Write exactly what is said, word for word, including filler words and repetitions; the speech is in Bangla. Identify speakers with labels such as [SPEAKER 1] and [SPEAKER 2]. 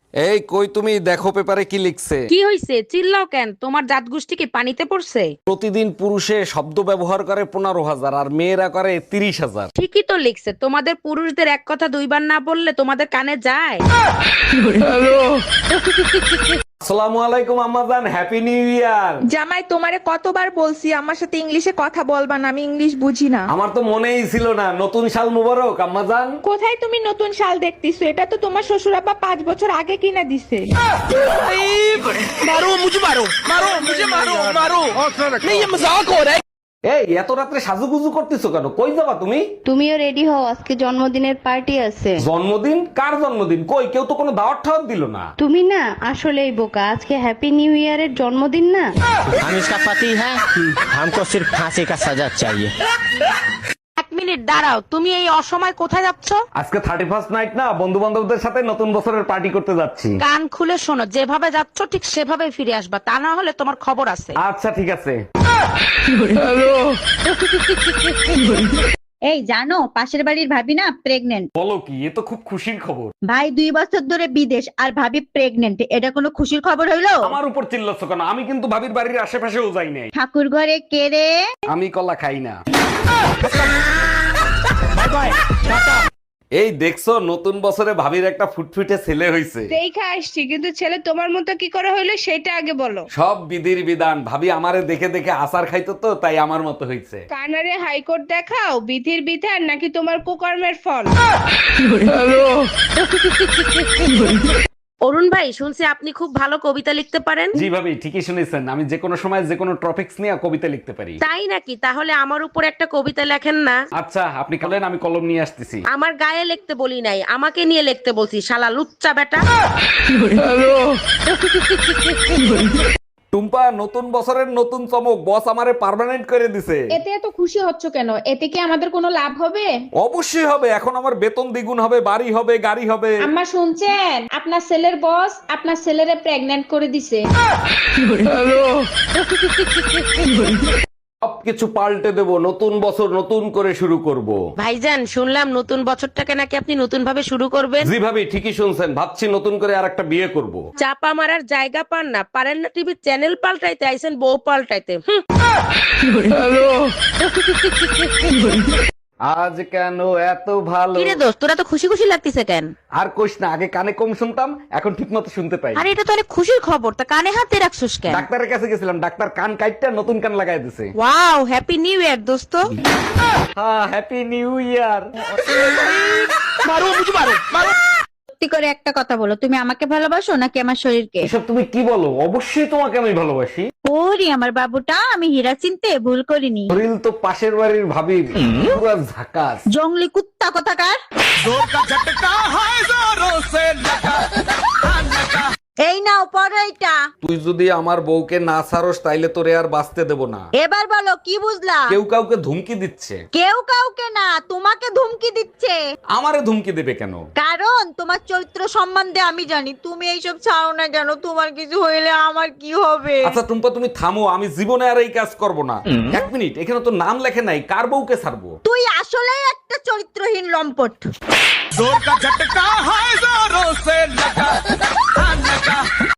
[SPEAKER 1] এই কই তুমি দেখো পেপারে কি লিখছে।
[SPEAKER 2] কি হইছে? চিল্লাও কেন? তোমার জাত গোষ্ঠী কি পানিতে পড়ছে?
[SPEAKER 1] প্রতিদিন পুরুষে শব্দ ব্যবহার করে পনেরো হাজার আর মেয়েরা করে তিরিশ হাজার।
[SPEAKER 2] ঠিকই তো লিখছে। তোমাদের পুরুষদের এক কথা দুইবার না বললে তোমাদের কানে যায়?
[SPEAKER 1] আসসালামু আলাইকুম আম্মাজান, হ্যাপি নিউ ইয়ার।
[SPEAKER 3] জামাই, তোমারে কতবার বলছি আমার সাথে ইংলিশে কথা বলবা না, আমি ইংলিশ বুঝি না।
[SPEAKER 1] আমার তো মনেই ছিল না, নতুন সাল মুবারক আম্মাজান।
[SPEAKER 3] কোথায় তুমি নতুন শাল দেখতেছো? এটা তো তোমার শ্বশুর আব্বা পাঁচ বছর আগে কিনা দিছে।
[SPEAKER 1] এই এত রাত্রে সাজুগুজু করতেছো কেন? কই যাবা তুমি?
[SPEAKER 4] তুমিও রেডি হও, আজকে জন্মদিনের পার্টি আছে।
[SPEAKER 1] জন্মদিন? কার জন্মদিন? কই কেউ তো কোনো দাওয়াত ঠাওয়াত দিল না।
[SPEAKER 4] তুমি না আসলেই বোকা, আজকে হ্যাপি নিউ ইয়ারের জন্মদিন না।
[SPEAKER 5] हम इसका पति है, हमको सिर्फ फांसी का सजा चाहिए।
[SPEAKER 2] এক মিনিট দাঁড়াও, তুমি এই অসময় কোথায় যাচ্ছ?
[SPEAKER 1] আজকে থার্টি ফার্স্ট নাইট না, বন্ধু বান্ধবদের সাথে নতুন বছরের পার্টি করতে যাচ্ছি।
[SPEAKER 2] কান খুলে শোনো, যেভাবে যাচ্ছ ঠিক সেভাবে ফিরে আসবা, তা না হলে তোমার খবর আছে।
[SPEAKER 1] আচ্ছা ঠিক আছে।
[SPEAKER 6] এই জানো, পাশের বাড়ির ভাবি না প্রেগনেন্ট।
[SPEAKER 1] বলো কি? এ তো খুব খুশির খবর।
[SPEAKER 6] ভাই দুই বছর ধরে বিদেশ আর ভাবি প্রেগনেন্ট, এটা কোনো খুশির খবর হইলো?
[SPEAKER 1] আমার উপর চিল্লাচ্ছ কেন? আমি কিন্তু ভাবির বাড়ির আশেপাশেও যাই নাই।
[SPEAKER 6] ঠাকুর ঘরে কে রে?
[SPEAKER 1] আমি কলা খাই না। এই দেখছো, নতুন বছরে ভাবির একটা ফুটফুটে ছেলে হইছে।
[SPEAKER 3] দেখা আসছি, কিন্তু ছেলে তোমার মতো কি করে হইলো সেটা আগে বলো।
[SPEAKER 1] সব বিধির বিধান। ভাবি আমারে দেখে দেখে আচার খাইতো তো, তাই আমার মতো হইছে।
[SPEAKER 3] কানারে হাইকোর্ট দেখাও, বিধির বিধান নাকি তোমার কুকর্মের ফল?
[SPEAKER 2] অরুণ ভাই, শুনছি আপনি খুব ভালো কবিতা লিখতে পারেন।
[SPEAKER 1] জি ভাবি, ঠিকই শুনেছেন। আমি যে কোনো সময় যে কোনো টপিকস নিয়ে কবিতা লিখতে পারি।
[SPEAKER 2] তাই নাকি? তাহলে আমার উপর একটা কবিতা লেখেন না।
[SPEAKER 1] আচ্ছা আপনি বলেন, আমি কলম নিয়ে আসতেছি।
[SPEAKER 2] আমার গায়ে লিখতে বলি নাই, আমাকে নিয়ে লিখতে বলছি, শালা লুচ্চা বেটা।
[SPEAKER 1] টুম্পা, নতুন বছরের নতুন চমক, বস আমারে পার্মানেন্ট করে দিছে।
[SPEAKER 3] এতে এত খুশি হচ্ছ কেন? এতে কি আমাদের কোনো লাভ হবে?
[SPEAKER 1] অবশ্যই হবে। এখন আমার বেতন দ্বিগুণ হবে, বাড়ি হবে, গাড়ি হবে।
[SPEAKER 3] আম্মা শুনছেন? আপনার ছেলের বস আপনার ছেলেরে প্রেগন্যান্ট করে দিছে।
[SPEAKER 1] সবকিছু পাল্টে দেব, নতুন বছর নতুন করে শুরু করব।
[SPEAKER 2] ভাইজান, শুনলাম নতুন বছরটাকে নাকি আপনি নতুন ভাবে শুরু করবেন।
[SPEAKER 1] জি ভাবি, ঠিকই শুনছেন। ভাবছি নতুন করে আর একটা বিয়ে করব।
[SPEAKER 2] চাপা মারার জায়গা পান না, পারেন না টিভির চ্যানেল পাল্টাইতে, আইছেন বউ পাল্টাইতে। হুঁ।
[SPEAKER 1] আজ কেন এত ভালো?
[SPEAKER 2] কিরে দোস্ত, তোরা তো খুশি খুশি লাগতেছে কেন?
[SPEAKER 1] আর কইস না, আগে কানে কম শুনতাম, এখন ঠিক মতো শুনতে পাই।
[SPEAKER 2] আরে এটা তো অনেক খুশির খবর, তা কানে হাতে রাখছিস কেন?
[SPEAKER 1] ডাক্তারের কাছে গেছিলাম, ডাক্তার কান কাইটটা নতুন কান লাগাই দিছে।
[SPEAKER 2] ওয়াও, হ্যাপি নিউ ইয়ার দোস্ত।
[SPEAKER 1] হ্যাঁ, হ্যাপি নিউ ইয়ার।
[SPEAKER 6] সত্যি করে একটা কথা বলো, তুমি আমাকে ভালোবাসো নাকি আমার শরীরকে?
[SPEAKER 1] এসব তুমি কি বলো? অবশ্যই তোমাকে আমি ভালোবাসি।
[SPEAKER 6] ওরে আমার বাবুটা, আমি হীরা চিনতে ভুল করিনি।
[SPEAKER 1] শরীর তো পাশের বাড়ির ভাবির, পুরো ঝাকাস।
[SPEAKER 6] জঙ্গলি কুত্তা কোথাকার। এই নাও পরো এইটা।
[SPEAKER 1] তুই যদি আমার বউকে না ছাড়স তাইলে তোরে আর বাঁচতে দেব না।
[SPEAKER 6] এবার বলো কি বুঝলা?
[SPEAKER 1] কেউ কাউকে ধুমকি দিচ্ছে।
[SPEAKER 6] কেউ কাউকে না, তোমাকে ধুমকি দিচ্ছে।
[SPEAKER 1] আমারে ধুমকি দেবে কেন?
[SPEAKER 6] কারণ তোমার চরিত্র সম্বন্ধে আমি জানি। তুমি এইসব ছাড়ো না কেন? তোমার কিছু হইলে আমার কি হবে?
[SPEAKER 1] আচ্ছা টুম্পা, তুমি থামো, আমি জীবনে আর এই কাজ করব না। এক মিনিট, এখানে তো নাম লেখে নাই, কার বউকে ছাড়বো?
[SPEAKER 6] তুই আসলেই একটা চরিত্রহীন লম্পট।
[SPEAKER 5] जोर का झटका है जोरों से लगा।